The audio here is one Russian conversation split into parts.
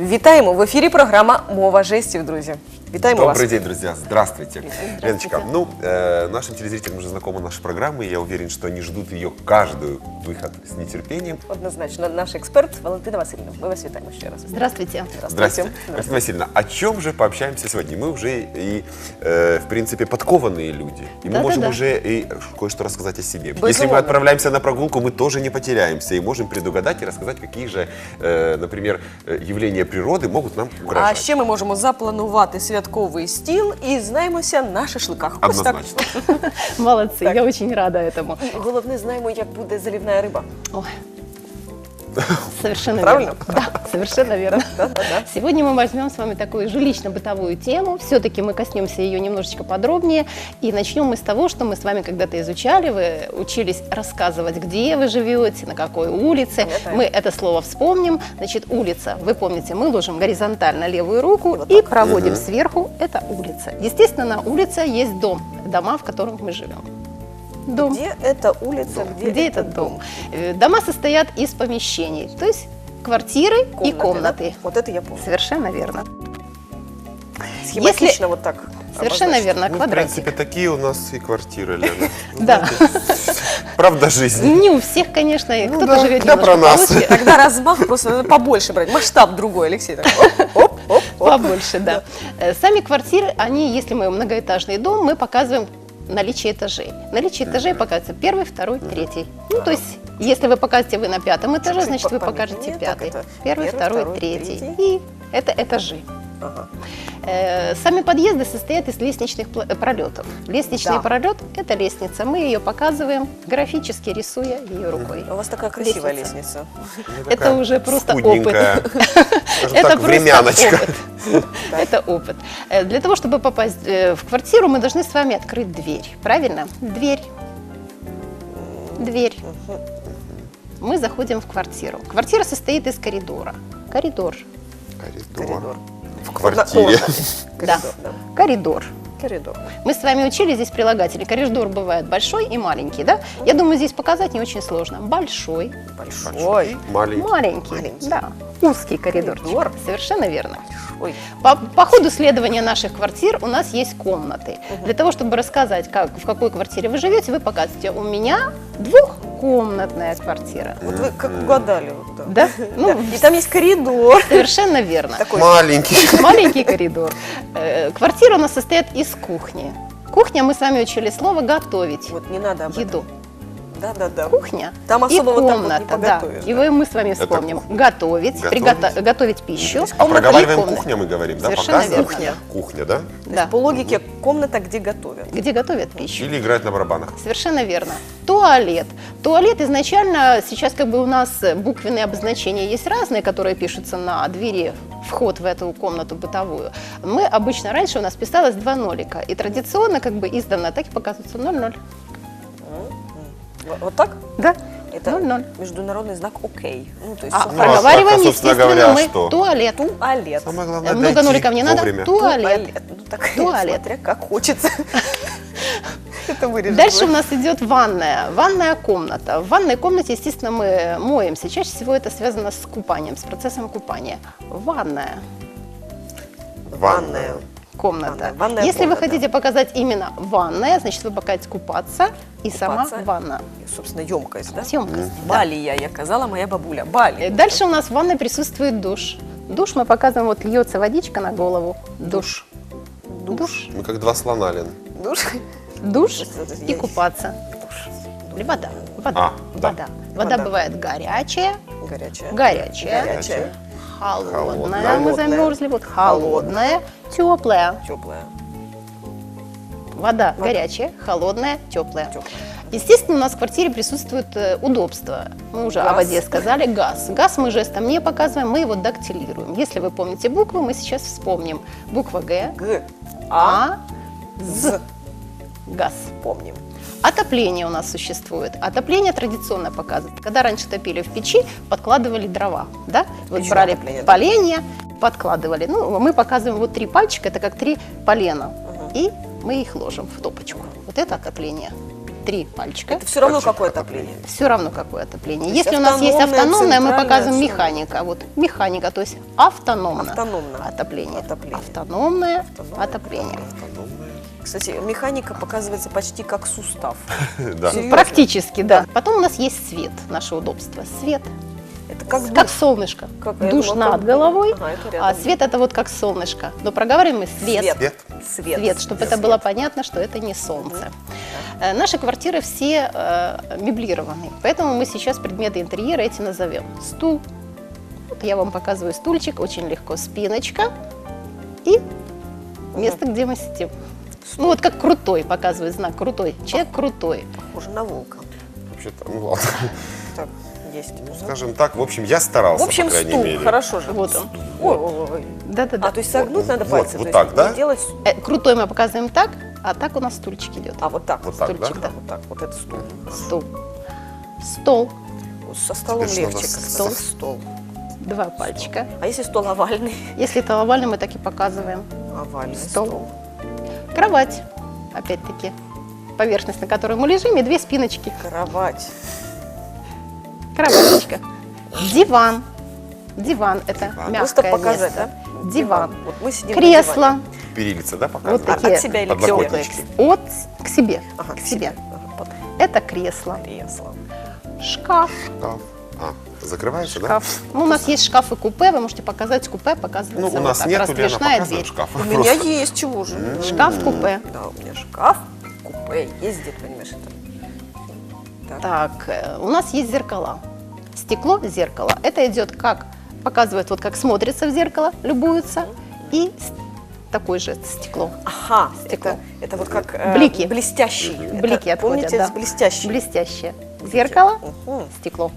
Вітаємо! В ефірі програма «Мова жестів», друзі. Вітаємо вас. Добрый день, друзья. Здравствуйте. Леночка, нашим телезрителям уже знакома наша программа, и я уверен, что они ждут ее каждую выход с нетерпением. Однозначно, наш експерт Валентина Васильівна. Ми вас вітаємо ще раз. Здравствуйте. Здравствуйте. Валентина Васильевна, о чем же пообщаемся сегодня? Мы уже и, в принципе, подкованные люди, и мы можем уже и кое-что рассказать о себе. Если мы отправляемся на прогулку, мы тоже не потеряемся и можем предугадать и рассказать, какие же, например, явления природы могут нам угрожать. А ще ми можемо запланувати святковий стіл і знаємося на шашликах. Ось так. Однозначно. Молодцы, я очень рада этому. Головне, знаємо, як буде заливна риба. Ой. Совершенно Правильно? верно. Да, совершенно верно. Да. Сегодня мы возьмем с вами такую жилищно-бытовую тему. Все-таки мы коснемся ее немножечко подробнее. И начнем мы с того, что мы с вами когда-то изучали. Вы учились рассказывать, где вы живете, на какой улице. Мы это слово вспомним. Значит, улица, вы помните, мы ложим горизонтально левую руку и проводим сверху. Это улица. Естественно, на улице есть дом, дома, в которых мы живем. Дом. Где эта улица, Где этот дом? Дома состоят из помещений, то есть квартиры и комнаты. Да? Вот это я помню. Совершенно верно. Схематично вот так. Совершенно верно, Ну, в квадратик. принципе, такие у нас и квартиры, Лена. Да. Правда жизни. Не у всех, конечно, и кто-то да, живет да, немножко про нас. получше, Тогда размах просто надо побольше брать. Масштаб другой, Алексей. Оп. побольше, да. Сами квартиры, они, если мы многоэтажный дом, мы показываем наличие этажей. Наличие этажей показывается первый, второй, третий. Ну, то есть, если вы покажете вы на пятом этаже, Чуть-чуть значит, вы помедленнее, покажете так пятый. это Первый, второй, третий. И это этажи. Ага. Сами подъезды состоят из лестничных пролетов. Лестничный пролет – это лестница. Мы ее показываем, графически рисуя ее рукой. У вас такая красивая лестница. Это уже просто опыт. Скудненькая. Скажем Это так, просто времяночка. опыт. Это опыт. Для того, чтобы попасть в квартиру, мы должны с вами открыть дверь. Правильно? Дверь. Дверь. Мы заходим в квартиру. Квартира состоит из коридора. Коридор. Коридор. В квартире. Да. Коридор. Коридор. Мы с вами учили здесь прилагатели. Коридор бывает большой и маленький, да? Я думаю, здесь показать не очень сложно. Большой, Большой. Маленький. маленький, да. Узкий коридорчик. Коридор. Совершенно верно. Ой. По ходу следования наших квартир у нас есть комнаты. Для того, чтобы рассказать, в какой квартире вы живете, вы показываете: у меня двухкомнатная квартира. Вот вы как угадали. Вот, да. Да? Ну, И там есть коридор. совершенно верно. Такой. Маленький. Маленький коридор. Квартира у нас состоит из кухни. Кухня, мы с вами учили слово «готовить». Вот не надо об этом. Еду. Да. Кухня Там и особо вот так вот не комната, поготовишь, да. да. И мы с вами вспомним. Готовить, готовить пищу. А комната и проговариваем комната. кухня, мы говорим, да? Совершенно Показываем? верно. Кухня, да? Да. По логике, комната, где готовят. Где готовят пищу. Или играют на барабанах. Совершенно верно. Туалет. Туалет изначально, сейчас как бы у нас буквенные обозначения есть разные, которые пишутся на двери, вход в эту комнату бытовую. Мы обычно, раньше у нас писалось 2 нолика. И традиционно как бы издавна так и показывается 0,0. Вот так? Да. Это 0,0. международный знак «Окей». Ну, то есть А всё проговариваем, собственно естественно, говоря, мы что? туалет. Туалет. Самое главное, Много дойти ноликов не надо. вовремя. Туалет. Ну, так, Туалет. смотря как хочется. Это вырежем. Дальше у нас идет ванная. Ванная комната. В ванной комнате, естественно, мы моемся. Чаще всего это связано с купанием, с процессом купания. Ванная Ванная. комната. Ванная Если вы комната. хотите показать именно ванная, значит, вы покажете купаться и сама Купаться. ванна. Собственно, емкость, да? Емкость, да. Балия, я казала моя бабуля. Бали. Дальше у нас в ванной присутствует душ. Душ мы показываем, вот льется водичка на голову. Душ. Душ. Мы как два слона, Лен. Душ. Душ Это и есть. купаться. Или вода. Вода. А, да. Вода. Вода бывает горячая, Горячая. горячая, Горячая. холодная, Холодная. мы замерзли, вот холодная, теплая. Теплая. Вода горячая, холодная, теплая. Теплая. Естественно, у нас в квартире присутствует удобство. Мы уже о Газ. воде сказали. Газ. Газ мы жестом не показываем, мы его дактилируем. Если вы помните буквы, мы сейчас вспомним. Буква Г, Г. А, З. газ. Помним. Отопление у нас существует. Отопление традиционно показывает. Когда раньше топили в печи, подкладывали дрова. Да? Вот Печное брали отопление, да? поленья, подкладывали. Ну, мы показываем вот 3 пальчика, это как 3 полена. И мы их ложим в топочку. Вот это отопление. 3 пальчика. Это все равно Пальчик какое отопления. отопление. Все равно какое отопление. То есть Если у нас есть автономное, автономное, мы центральное, показываем что? механика. Вот механика, то есть автономно. Автономно. Отопление. Отопление. Автономное Автономное отопление. Кстати, механика показывается почти как сустав. Да. Серьезно? Практически, да. Потом у нас есть свет, наше удобство. Свет, Это как как душ. солнышко. Как- я Душ думала, над как- головой, Ага, это а рядом. свет это вот как солнышко. Но проговариваем мы свет. Свет. Свет, чтобы это было понятно, что это не солнце. Наши квартиры все меблированы, поэтому мы сейчас предметы интерьера эти назовем. Стул. Вот я вам показываю стульчик, очень легко. Спиночка и место, где мы сидим. Ну вот как крутой, показывает знак крутой. Человек крутой. Похоже на волка. Вообще-то, ну ладно. Так, есть. Скажем так, в общем, я старался, В общем, по крайней стул. мере. Хорошо же. Вот он. Ой. Да-да-да. А, то есть согнуть надо Вот, пальцы? вот то так, есть да? не делать... Крутой мы показываем так, а так у нас стульчик идет. А, вот так. Вот так, да? Стульчик, да. Вот так, вот это стул. Стул. Стол. Вот со столом Теперь легче. надо как стол. стол. 2 пальчика. А если стол овальный? Если это овальный, мы так и показываем. Овальный Стол. стол. Кровать. Опять-таки. Поверхность, на которой мы лежим, и 2 спиночки. Кровать. Кроваточка. Диван. Диван – это Диван. Просто мягкое показать, место. да? Вот Вот мы сидим на Кресло. диване. Перилица, да, Вот показывает? такие От себя или к Подлокотнички. себе? От к себе. Ага, к себе. Ага, под Это кресло. кресло. Шкаф. Шкаф. А, закрывается, да? Шкаф. Ну, у нас есть шкафы купе. Вы можете показать купе, показывается Ну, у вот нас так. нету, Лена, Раздвижная показываем дверь. шкаф. У меня есть, чего же? Шкаф купе. Да, у меня шкаф, купе ездит, понимаешь, это. Так. Так, у нас есть зеркала. Стекло, зеркало. Это идет как, показывает, вот как смотрится в зеркало, любуются. И такое же стекло. Ага, Стекло. это вот как Блики. блестящий. Это, Блики отходят, помните, да. с блестящий. Блестящее. Зеркало, Мгм. стекло.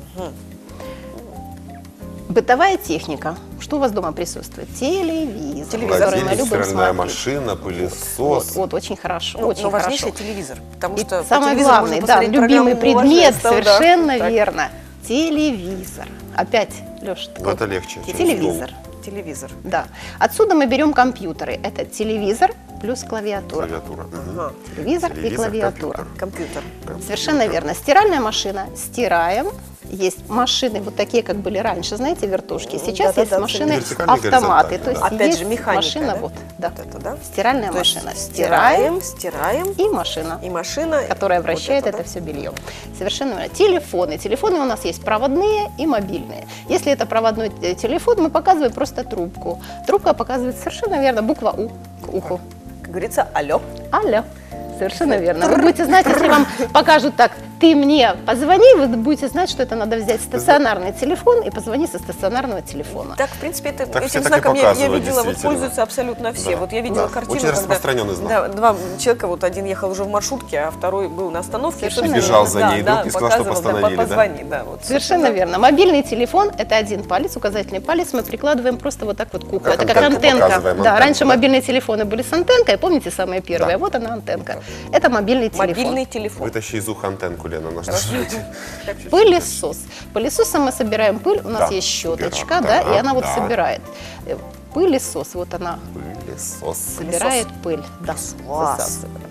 Бытовая техника. Что у вас дома присутствует? Телевизор, Телевизор. который мы Холодильник, любим стиральная смотреть. машина, Вот, пылесос. вот, очень хорошо, Ну, очень но хорошо. важнейший телевизор, потому И что по самое телевизору главное, можно да, посмотреть любимый программу предмет, «Новое место», да. совершенно Так. верно. Телевизор. Опять, Леша, Ну, это легче. чем телевизор. Телевизор. Да. Отсюда мы берем компьютеры. Это телевизор плюс клавиатура. Клавиатура. Мгм. Ага. Телевизор и Телевизор, клавиатура. компьютер. Компьютер. Совершенно верно. Стиральная машина. Стираем. Есть машины вот такие, как были раньше, знаете, вертушки. Сейчас Да-да-да, есть машины вертикальные, автоматы. То горизонтальные, есть да. Опять есть же, механика, машина, да? вот, да. Вот это, да? Стиральная То есть машина. Стираем. стираем, И машина, и машина. которая вот вращает это да? все белье. Совершенно верно. Телефоны. Телефоны у нас есть проводные и мобильные. Если это проводной телефон, мы показываем просто трубку. Трубка показывает совершенно верно буква У к уху. Как говорится, алло. Алло. Совершенно верно. Вы будете знать, если вам покажут так, ты мне позвони, вы будете знать, что это надо взять стационарный телефон и позвонить со стационарного телефона. Так, в принципе, Так все этим так и знаком я показывают, видела, вот действительно. пользуются абсолютно все. Да. Вот я видела Да. картину, Очень когда распространенный знак. Да, два человека, вот один ехал уже в маршрутке, а второй был на остановке. Совершенно собственно, Бежал за да, ней да, друг и сказал, что показывал, да, постановили, да? позвони, да, вот, Совершенно верно. Мобильный телефон – это один палец, указательный палец мы прикладываем просто вот так вот к уху. Как Это как антенку антенка. показываем, Да, антенку, раньше да. мобильные телефоны были с антенкой, помните, самые первые? Да. Вот она антенка. Это мобильный телефон. Мобильный телефон. Вытащи из уха антенку, Лена, на что Пылесос. Пылесосом мы собираем пыль, у нас Да, есть щеточка, убираем, да, да, и она вот да. собирает. Пылесос, вот она Пылесос. собирает пыль. Да, Класс. высасывает.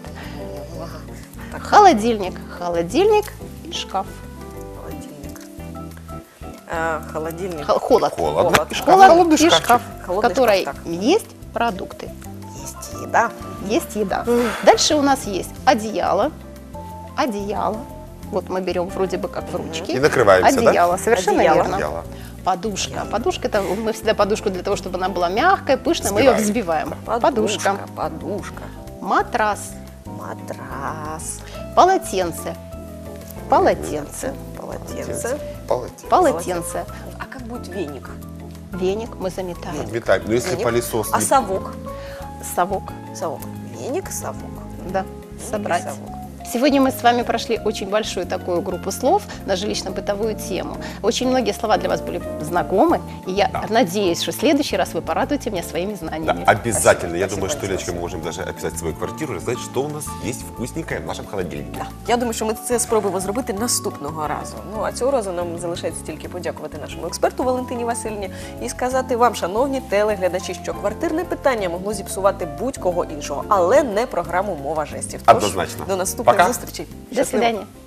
Холодильник. Холодильник и шкаф. Холодильник. Холодильник. Холод. Холодно. И Холод Холодный и шкафчик. шкаф, в Холодный которой шкаф, так. есть продукты, Есть еда. есть еда. Дальше у нас есть одеяло. Одеяло. Вот мы берем вроде бы как в ручки. И накрываемся, да? Одеяло, совершенно Одеяло. верно. Одеяло. Подушка. Подушка – это мы всегда подушку для того, чтобы она была мягкая, пышная, мы ее Взбиваем. взбиваем. Подушка. Подушка. Матрас. Матрас. Полотенце. Полотенце. Полотенце. Полотенце. Полотенце. А как будет веник? Веник мы заметаем. Метаем. Но если Веник. пылесос А не- совок? Совок. Совок. Веник, совок. Да, Веник, собрать. совок. Сегодня мы с вами прошли очень большую такую группу слов на жилищно-бытовую тему. Очень многие слова для вас были знакомы, и я надеюсь, что в следующий раз вы порадуете меня своими Да, знаниями. обязательно. Я Спасибо, думаю, что, спасибо. Леночка, мы можем даже описать свою квартиру и сказать, що у нас є вкусненькое в нашому холодильнику. Я думаю, що ми це спробуємо зробити наступного разу. Ну а цього разу нам залишається тільки подякувати нашому експерту Валентині Васильівні і сказати вам, шановні телеглядачі, що квартирне питання могло зіпсувати будь-кого іншого, але не програму «Мова жестів». Тож, Однозначно. До наступних Зустрічей. До Щасливо. свидания.